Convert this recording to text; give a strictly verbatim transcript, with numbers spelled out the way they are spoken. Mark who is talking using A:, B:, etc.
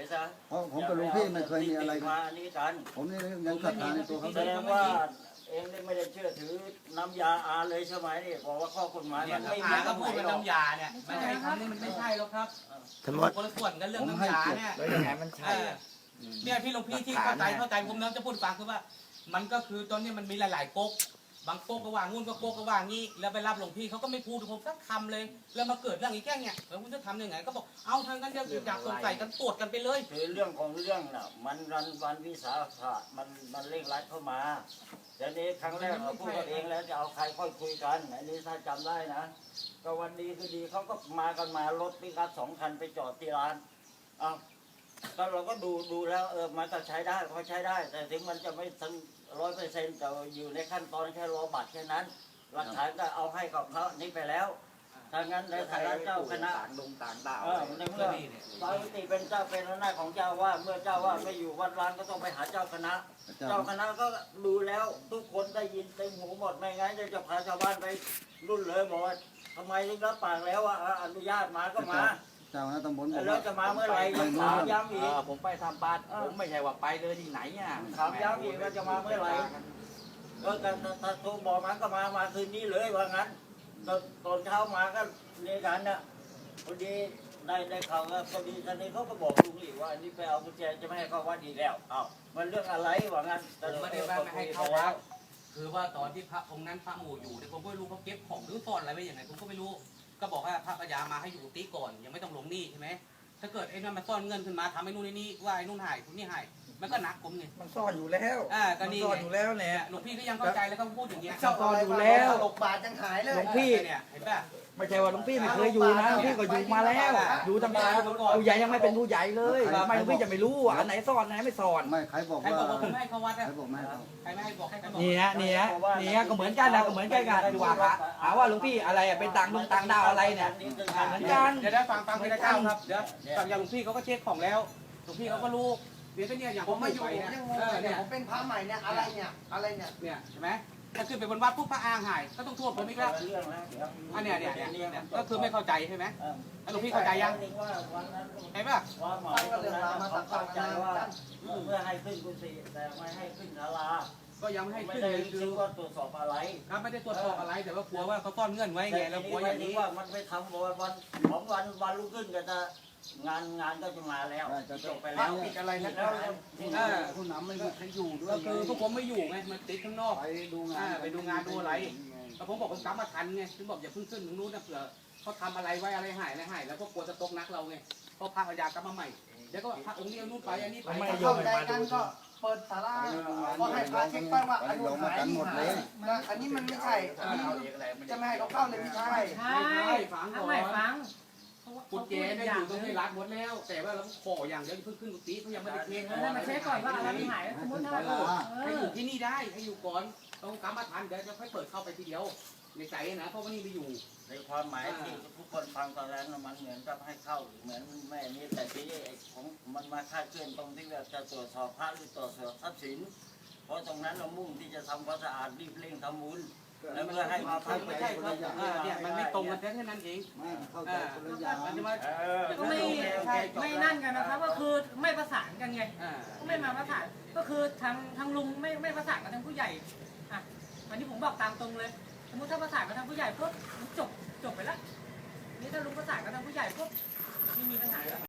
A: ซะ
B: เพราะผมกับหลวงพี่ไม่เคยมีอะไรกั
A: มาน อันนี้กัน
B: ผมนี่ยังศรัทธาในตัวเขา
A: แสดงว่าเองไม่ได้เชื่อถือน้ำยาอาเลยใช่ไหมนี่บอกว่าข้อกฎหมาย
C: เนี่
A: มั
C: ย
A: น
C: อา
A: ไม่มี
C: ก็
A: ตรง
C: พู
A: ไห
C: ด
A: น
C: ว่า
A: หรอก
C: น้ำยาเนี่ยมันไอ้คำนี้มันไม่ใช่หรอกครับ
D: ทั้งหมด
C: คนละส่วนกันเรื่องน้ำยาเนี่ย
D: แล้วยังไงมันใช่
C: เนี่ยพี่หลวงพี่ที่เข้าใจเข้าใจผมนะจะพูดฟังคือว่า มันก็คือตอนนี้มันมีหลายๆก๊กบางก๊กก็ว่างุ่นก็ก๊กก็ว่างี้แล้วไปรับหลวงพี่เขาก็ไม่พูดผมสักคำเลยแล้วมาเกิดเรื่องอีกแค่เนี่ยแล้วคุณจะทำยังไงก็บอกเอาทางกันเดียวอยากสงสัยกันตรวจกันไปเลย
A: คือเรื่องของเรื่องน่ะมันรันวันวิสาขะมันมันเร่งรัดเข้ามาเดี๋ยวนี้ครั้งแรกเราพูดกันเองแล้วจะเอาใครค่อยคุยกันอันนี้ถ้าจำได้นะก็วันดีคือดีเขาก็มากันมารถปิกอัพสองคันไปจอดที่ร้านอ้าวก็เราก็ดูดูแล้วเออมันก็ใช้ได้เขาใช้ได้ แต่ถึงมันจะไม่ถึงร้อยเปอร์เซ็นต์แต่อยู่ในขั้นตอนแค่รอบัตรแค่นั้นหลักฐานก็เอาให้กับเขานี่ไปแล้วถ้างั้นในฐานะเจ้าคณะ
D: ต่างดงต่างดาว
A: เออในเมื่อตอนติเป็นเจ้าเป็นหน้าของเจ้าว่าเมื่อเจ้าว่าไม่อยู่วัดร้างก็ต้องไปหาเจ้าคณะ เจ้าคณะก็ดูแล้วทุกคนได้ยินเต็มหูหมดไม่งั้นจะพาชาวบ้านไปรุ่นเลยบอกว่าทำไมถึงรับปากแล้วว่าอนุญาตมาก็มา
B: เจ้าคณะตำบลบอก
A: แล้ว
B: ว่า
A: จะมาเมื่อไหร่ยังถามย้ำอีก
D: ผมไปทำบัตรผมไม่ใช่ว่าไปเลยที่ไหนอ่ะ
A: ถามย้ำอีกว่าจะมาเมื่อไหร่ก็การถ้าโทรบอกมาก็มามาคืนนี้เลยว่างั้นตอนตอนเช้ามาก็เรียกันนะพอดีได้ได้ข่าวว่าพอดีท่านนี้เขาก็บอกลุงอีกว่าอันนี้ไปเอากุญแจจะไม่ให้เข้าวัดอีกแล้วเอ้ามันเรื่องอะไรว่างั้น
C: ผมไม่ได้ว่าไม่ให้เข้าวัดคือว่าตอนที่พระองค์นั้นพระหมู่อยู่เนี่ยผมก็ไม่รู้เขาเก็บของหรือซ่อนอะไรไว้อย่างไรผมก็ไม่รู้ก็บอกว่าพระปัญญามาให้อยู่ตีก่อนยังไม่ต้องลงหนี้ใช่ไหมถ้าเกิดไอ้นั่นมาซ่อนเงินขึ้นมาทำไอ้นู่นไอ้นี่ว่าไอ้นู่นหายคุณนี่หายมันก็หนักผมไง
E: มันซ่อนอยู่แล้ว
C: อ่าก็
E: มัน
C: นี่
E: ซ่อนอยู่แล้วแหละ
C: หลวงพี่ก็ยังเข้าใจแล้วก็พูดอย่างเงี้ย
E: ซ่อนอยู่แล้ว
F: หกบาทยังหายเลย
E: หลวงพี่
C: เนี่ยเห็นป่ะ
E: ไม่ใช่ว่าหลวงพี่ไม่เคยอยู่นะหลวงพี่ก็อยู่มาแล้ว อยู่ตั้งแต่ผู้ใหญ่ยังไม่เป็นผู้ใหญ่เลยทำไมหลวงพี่จะไม่รู้อ่ะอันไหนซ่อนอันไหนไม่ซ่อน
B: ไม่ใครบอก
C: ใคร
B: ว่า
C: บอกว่าผมไม่ให้เข้าวัด
B: ใคร
C: อะ
B: บอกไม่ให้เขา
C: ใครไม่ให้บอกให้ใครบอก
E: นี่ฮะนี่ฮะนี่ฮะก็เหมือนกันนะก็เหมือนกันกันดีกว่าหาหาว่าหลวงพี่อะไรอ่ะเป็นต่างดงต่างดาวอะไรเนี่ยเหมือนกัน
C: เดี๋ยวได้ฟังฟังพี่นะเจ้าครับเดี๋ยวฟังอย่างหลวงพี่เขาก็เช็คของแล้วหลวงพี่เขาก็รู้เดี๋ยวก็เนี่ยอย่าง
F: ผมมาอยู่
C: ไป
F: ผม
C: เนี่ย
F: ยังงง
C: เออ
F: เลย
C: เนี่
F: เนี่ย ยผมเป็นพระใหม่เนี่ยอะไรเนี่ยอะไรเนี่ย
C: เนี่ยใช่ไหมถ้าขึ้นไปบนวัดปุ๊บพระอางหายก็ต้องโทษผมอีกแล้ว
A: เรื่องแล้วเดี๋ยว
C: อันเนี้ยเนี่ยเนี่ยเนี่ยก็คือไม่เข้าใจใช่ไหมแล้วหลวงพี่เข้าใจยัง
A: ว่าวันนั้น
C: เห็นป่ะ
A: ว่าหมายตรงนั้นเขาเข้าใจว่าเพื่อให้ขึ้นกุฏิแต่ไม่ให้ขึ้นศาลา
C: ก็ยังไม่ให้
A: ไม่
C: ขึ้น
A: ได้
C: เลยคือ
A: คิดว่าตรวจสอบอะไร
C: ครับไม่ได้ตรวจสอบอะไรแต่ว่ากลัวว่าเขาซ่อนเงื่อนไว้ไงแล้วกลัวอย่างนี้
A: ว่ามันไปทำวันวันของวันวันรุ่งขึ้นก็จะงานงานก็จะมาแล้วจบไปแล้ว
C: ติดอะไรนักห
A: แล้
C: นาว เออ
B: ผู้นำไม่มีใครอยู่ด้วย
C: ก็คือพวกผมไม่อยู่ไงมันติดข้างนอก
B: ไปดูงา
C: อ่าน ไปดูงานดูอะไรแต่ผมบอกผมกลับมาทันไงถึงบอกอย่าเพิ่งขึ้นตรงนู้นนะเผื่อเขาทำอะไรไว้อะไรหายอะไรหายแล้วก็กลัวจะตกนักเราไงเพราะพระพญากลับมาใหม่เดี๋ยวก็พระองค์นี้เอานู่นไปอันนี้ไป
E: ไม่
F: เข้าใจกันก็เปิดศาลาก็ให้พระเช็คไปว่าอันนู้นหายนี่หายนะอันนี้มันไม่ใช่อันนี้จะไม่ให้เขาเข้าเลยไม่ใช่
C: ไม่ใช่ฟังก่
G: ทำ
C: อ
G: ไม
C: น
G: ฟัง
C: กุญแจได้อยู่ตรงที่รัดหมดแล้ว แต่ว่าเราขออย่างเดียวเพิ่งขึ้นกุฏิเขายังไม่ได้เทส
G: ให้มาเช็คก่อนว่าอะไรมันหายสมมติถ้าเออ
C: ให้อยู่ที่นี่ได้ให้อยู่ก่อนต้องกลับมาทันเดี๋ยวจะค่อยเปิดเข้าไปทีเดียวในใจนะเพราะว่านี่ไปอยู่
A: ในความหมายที่ทุกคนฟังตอนแรกมันเหมือนกับให้เข้าเหมือนแม่นี่แต่ที่ของมันมาคาดเคลื่อนตรงที่ว่าจะตรวจสอบพระหรือตรวจสอบทรัพย์สินเพราะตรงนั้นเรามุ่งที่จะทำความสะอาดรีบเร่งทำบุญแล้วเพื่อให้มาพัก
C: ไม่ใช่ครับเนี่ยมันไม่ตรงกันแค่นั้นเอง
B: ไม่เข้าใจคนละอย่าง
C: มันจะมา
G: ก็ไม่ไม่นั่นกันนะครับก็คือไม่ประสานกันไงก็ไม่มาประสานก็คือทางทางลุงไม่ไม่ประสานกับทางผู้ใหญ่อ่ะวันนี้ผมบอกตามตรงเลยสมมติถ้าประสานกับทางผู้ใหญ่ปุ๊บจบจบไปแล้วนี่ถ้าลุงประสานกับทางผู้ใหญ่ปุ๊บไม่มีปัญหา